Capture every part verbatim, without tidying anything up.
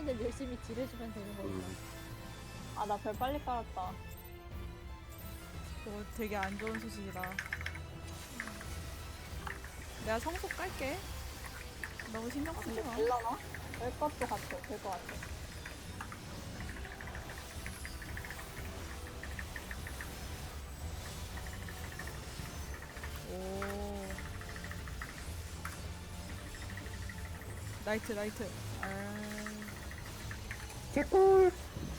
때는 열심히 딜해주면 되는 거니까. 음. 아, 나 별 빨리 깔았다. 그거 되게 안 좋은 소식이다. 내가 성속 깔게. 너무 신경 쓰지 마. 될라나? 될 것도 같아. 될 것 같아. 오. 나이트, 나이트. 아. 개꿀.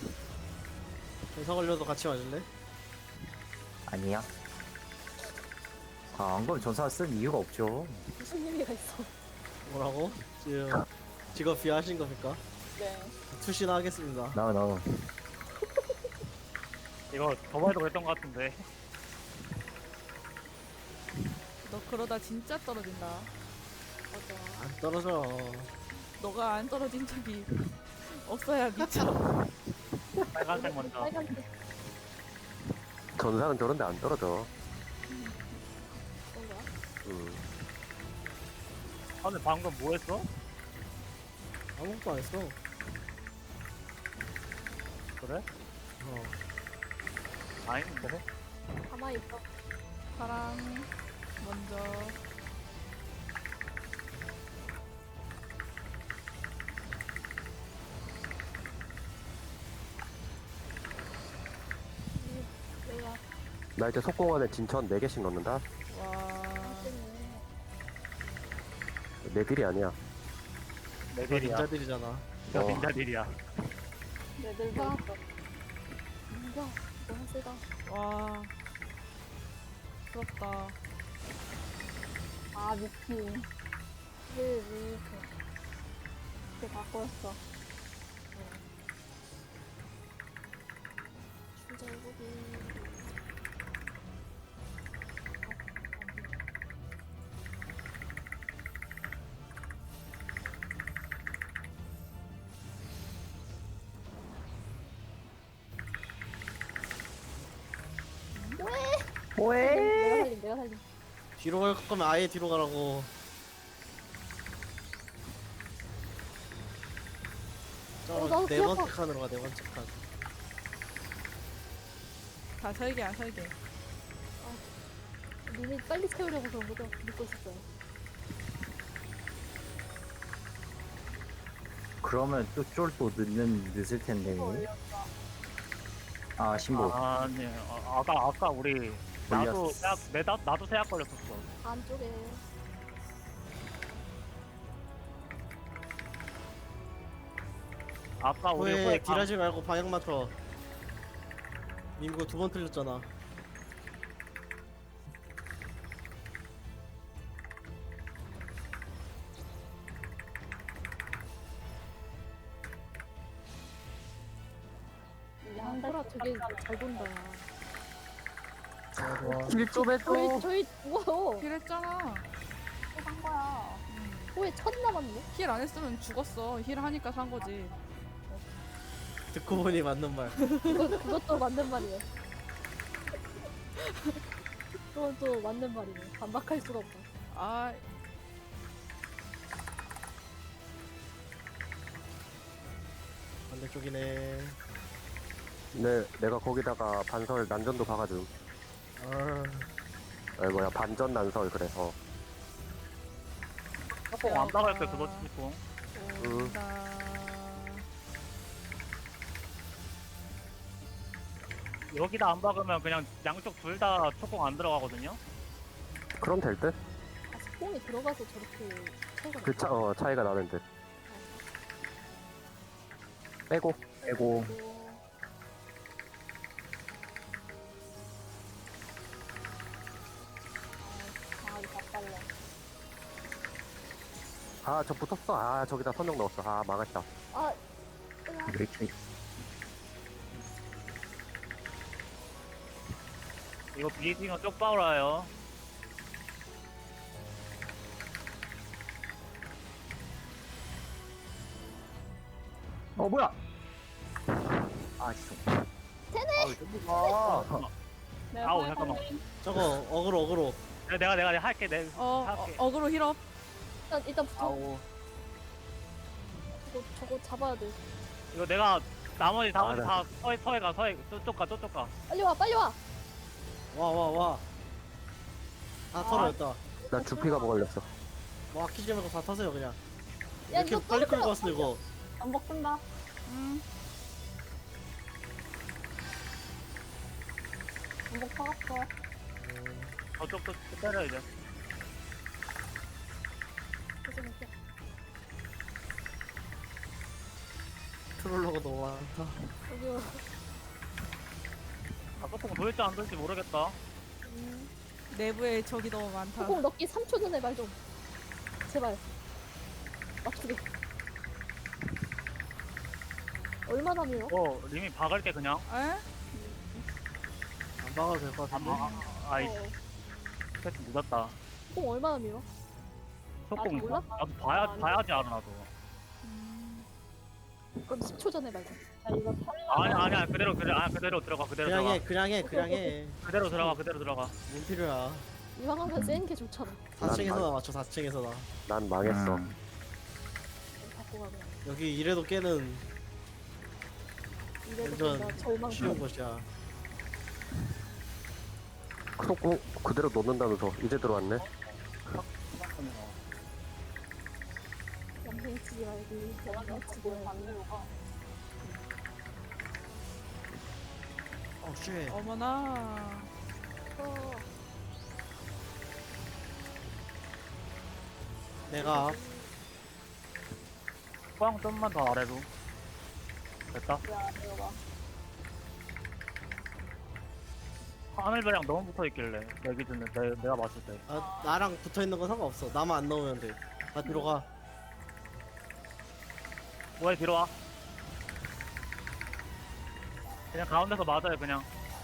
전사 걸려도 같이 맞을래? 아니야. 아, 안 그러면 전사 쓸 이유가 없죠. 무슨 의미가 있어. 뭐라고? 지금 직업 비하하신 겁니까? 네. 투시나 하겠습니다. 나와, 나와. 이거 저번에도 그랬던 것 같은데. 너 그러다 진짜 떨어진다. 맞아. 안 떨어져. 너가 안 떨어진 적이 없어야 미쳐. 빨간색 먼저. 빨간색 전사는 저런데 안 떨어져. 그런 거야? 음. 아, 근데 방금 뭐 했어? 아무것도 안 했어. 그래? 어. 아닌데? 가만히 있어. 파랑 먼저. 내가 나 이제 속공안에 진천 네 개씩 넣는다. 와. 때문에 내 딜이 아니야. 다 레벨이야. 닌자들이잖아. 저 어. 닌자들이야. 내들도 아. 있어. 뭔가 너무 세다. 와. 부럽다. 아, 미친. 왜왜 이렇게 이렇게 바꿨어. 출절국이 왜? 내가 살림 내가 살림. 뒤로 갈 거면 아예 뒤로 가라고. 어, 나도 저네 귀 번째 아파. 칸으로 가, 네 번째 칸. 다 설계야, 설계. 눈이 빨리 채우려고 그런 거죠? 믿고 있었어요. 그러면 또 쫄 또 늦는 늦을 텐데. 올렸어. 아, 신보. 아니, 아, 아까, 아까 우리, 나도, 올렸어. 세약, 내, 나, 나도 세약 걸렸었어. 안쪽에 아까 우리 후에 후에 강- 딜하지 말고 방향 맞춰. 민구 두 번 틀렸잖아. 이제 한 달. 호라 되게 잘 본다. 아, 좋아. 딜좀 해줘. 저희 저희 죽어요. 힐했잖아. 한 거야. 호에 첫 남았네. 힐 안 했으면 죽었어. 힐 하니까 산 거지. 듣고 보니 맞는 말. 그거 그것도 맞는 말이에요. 그것도 맞는 말이네. 반박할 수가 없다. 아, 반대쪽이네. 네, 내가 거기다가 반설 난전도 박아줌. 아, 아, 뭐야, 반전 난설, 그래서. 조금 안 박을 때 그거 치고. 온다. 여기다 안 박으면 그냥 양쪽 둘 다 초공 안 들어가거든요? 그럼 될 듯? 아, 스폰이 들어가서 저렇게 차이가 그 차, 어, 차이가 나는 듯. 빼고, 빼고. 아, 이거 바빨래. 아, 저 붙었어. 아, 저기다 선정 넣었어. 아, 망했다. 아, 왜 이렇게. 이거 비딩은 쪽 빠울아요. 어, 뭐야! 아, 진짜. 되네! 아, 내가 아우, 후에 잠깐만. 살림. 저거 어그로 어그로. 내가, 내가, 내가 할게, 내 어, 어, 할게. 어그로 힐업. 일단 일단 붙어. 아우. 저거 저거 잡아야 돼. 이거 내가 나머지 다, 아, 네. 다 서해, 서해 가, 서해, 저쪽 가, 저쪽 가. 빨리 와 빨리 와. 와 와 와. 다 털어였다. 나 주피가 걸렸어. 뭐 아끼지 말고 다 타세요 그냥. 야 이렇게 이거 빨리 끌고 떨어져. 왔어 이거. 전복 쓴다. 음. 전복 퍼갔어. 저쪽도 때려, 이제. 죄송해요. 트롤러가 너무 많다. 여기 와. 아, 조금 보일지 안 보일지 모르겠다. 음. 내부에 적이 너무 많다. 소공 넣기 삼 초 전에 말 좀. 제발. 맞추게. 얼마나 밀어? 어, 리미 박을게, 그냥. 에? 안 박아도 될 것 아, 같은데. 아, 아, 아이, 어. 패스 늦었다. 소공 얼마나 밀어? 조금, 아직 몰라? 나도 봐야, 아, 봐야지 알아, 나도. 음. 그럼 십 초 전에 말 좀. 야 이거 살려. 아니, 아니야, 그대로, 그대로, 아, 그대로 들어가, 그대로 그냥 들어가. 해 그냥 해 그냥 해. 그대로 들어가, 그대로 들어가. 뭔 필요야. 이왕 하면 센 게 좋잖아. 사 층에서나 맞춰 사 층에서나. 난 망했어. 음. 갖고 가면. 여기 이래도 깨는 이래도 완전 된다. 절망. 쉬운 것이야. 속공 그대로 놓는다면서 이제 들어왔네. 양생 치지 말기. 양생 치지 뭘 말기. 반대로가. 어 쉣. 어머나. 어. 내가 꽝 좀만 더 아래로. 됐다. 야 이거가. 하늘배랑 너무 붙어 있길래 내 기준에 내, 내가 봤을 때. 아, 나랑 붙어 있는 건 상관없어. 나만 안 넣으면 돼. 나 뒤로 가. 뭐해 뒤로 와. 그냥 가운데서 맞아요 그냥.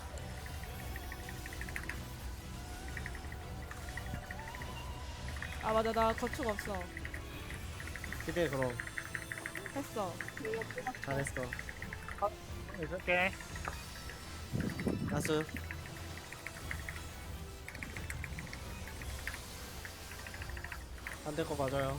아 맞아 나 거축 없어. 그래 그럼 했어. 잘했어. 있을게. 나스. 안 될 거 맞아요.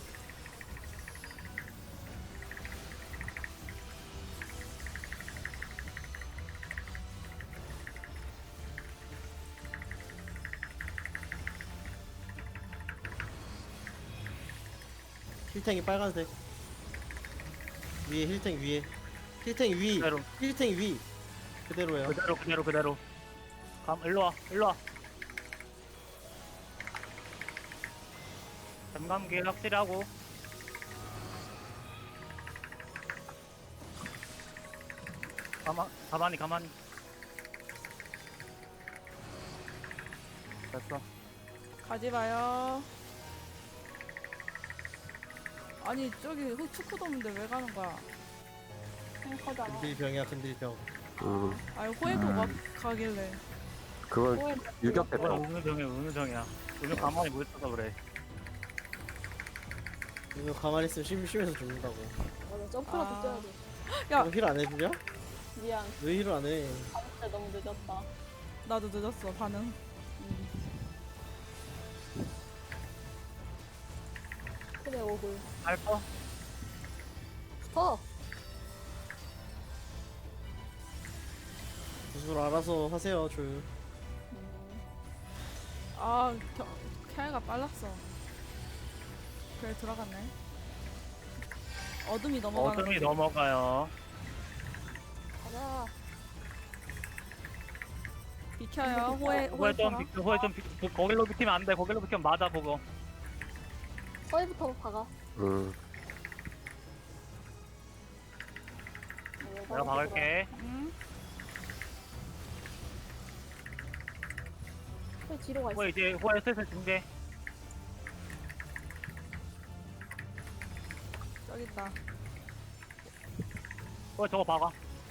힐탱이 빨간색. 위에 힐탱 위에. 힐탱 위. 그대로 힐탱 위. 그대로예요. 그대로 그대로 그대로. 감 일로 와 일로 와. 잠감기 확실히 하고. 가만 가만히 가만히. 됐어. 가지 마요. 아니 저기 흑 축구도 없는데 왜 가는 거야? 탱커잖아. 근딜병이야 근딜병. 음, 아니 호에도 막 가길래. 그건 뭐야, 유격됐다. 뭐야 은우정이야 은우정이야. 은우 가만히 못 있어서 그래. 이거 가만히 있으면 심심해서 죽는다고. 맞아. 점프라도 아. 뛰어야 돼. 야. 너 힐 안 해주냐? 미안. 왜 힐을 안 해? 진짜 너무 늦었다. 나도 늦었어 반응. 그래 오글. 알파? 어. 구슬 알아서 하세요 줄. 음. 아 겨, 캐가 빨랐어. 그래 들어갔네. 어둠이 넘어가는. 어둠이 거지. 넘어가요. 가자. 비켜요. 호에 호에 호에 좀 쳐라. 비, 호에 좀 비, 그, 거길로 비키면 안 돼. 거길로 비키면 맞아 그거. 서해부터 박아. 음, 내가 박을게. 응? 서해 뒤로 가 있어. 호에 이제 호에 슬슬 중계. 저기 있다. 호에 저거 박아.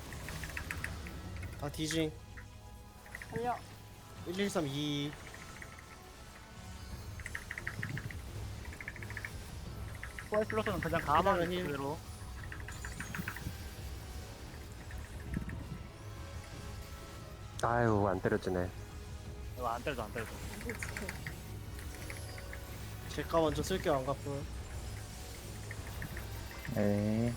다 디징. 달려. 일일삼이. 호에 슬로스는 그냥 가만히 그다음에 힐. 그대로. 아유 안 때려지네. 이거 안 때려도 안 때려도. 제가 먼저 쓸게요 안 갚고. 네.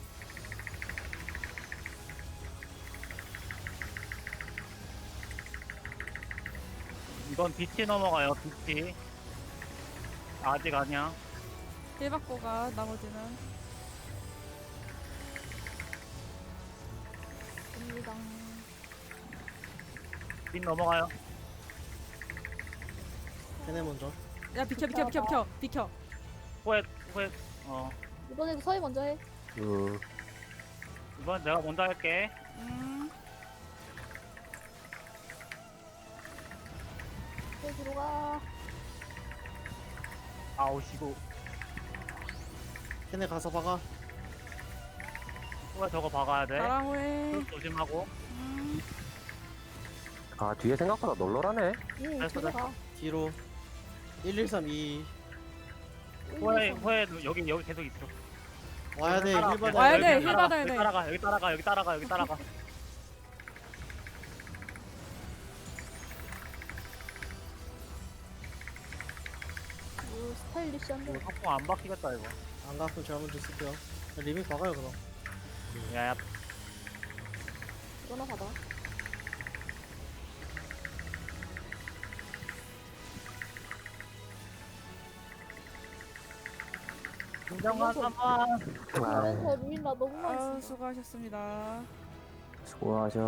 이건 빛이 넘어가요. 빛이. 아직 아니야. 힐 받고 가 나머지는. 갑니다. 빛 넘어가요. 걔네 먼저. 야 비켜 비켜 비켜 비켜 비켜. 후회 후회. 어. 이번에도 서희 먼저 해. 음, 이번 내가 먼저 할게. 음. 서희 들어가. 아우시고. 걔네 가서 박아. 후회 저거 박아야 돼. 나랑 후회. 흙 조심하고. 음. 아, 뒤에 생각보다 널널하네. 응, 됐어, 들어가. 뒤로. 일일삼이 후회 후회 여기 여기 계속 있어. 와야 돼. 따라가, 힐 받아. 와야 여기 돼, 힐 따라가, 받아야 여기 돼. 따라가 여기 따라가 여기 따라가 여기 따라가. 오, 스타일리시한데. 이거 석궁 안 박히겠다 이거. 안 갔으면 제가 먼저 쓸게요. 리믹 박아요 그럼. 야야. 이거나 받아. 김정환 삼번. 아, 아, 루인 나 너무 많이 아 쓴다. 수고하셨습니다. 수고하셨.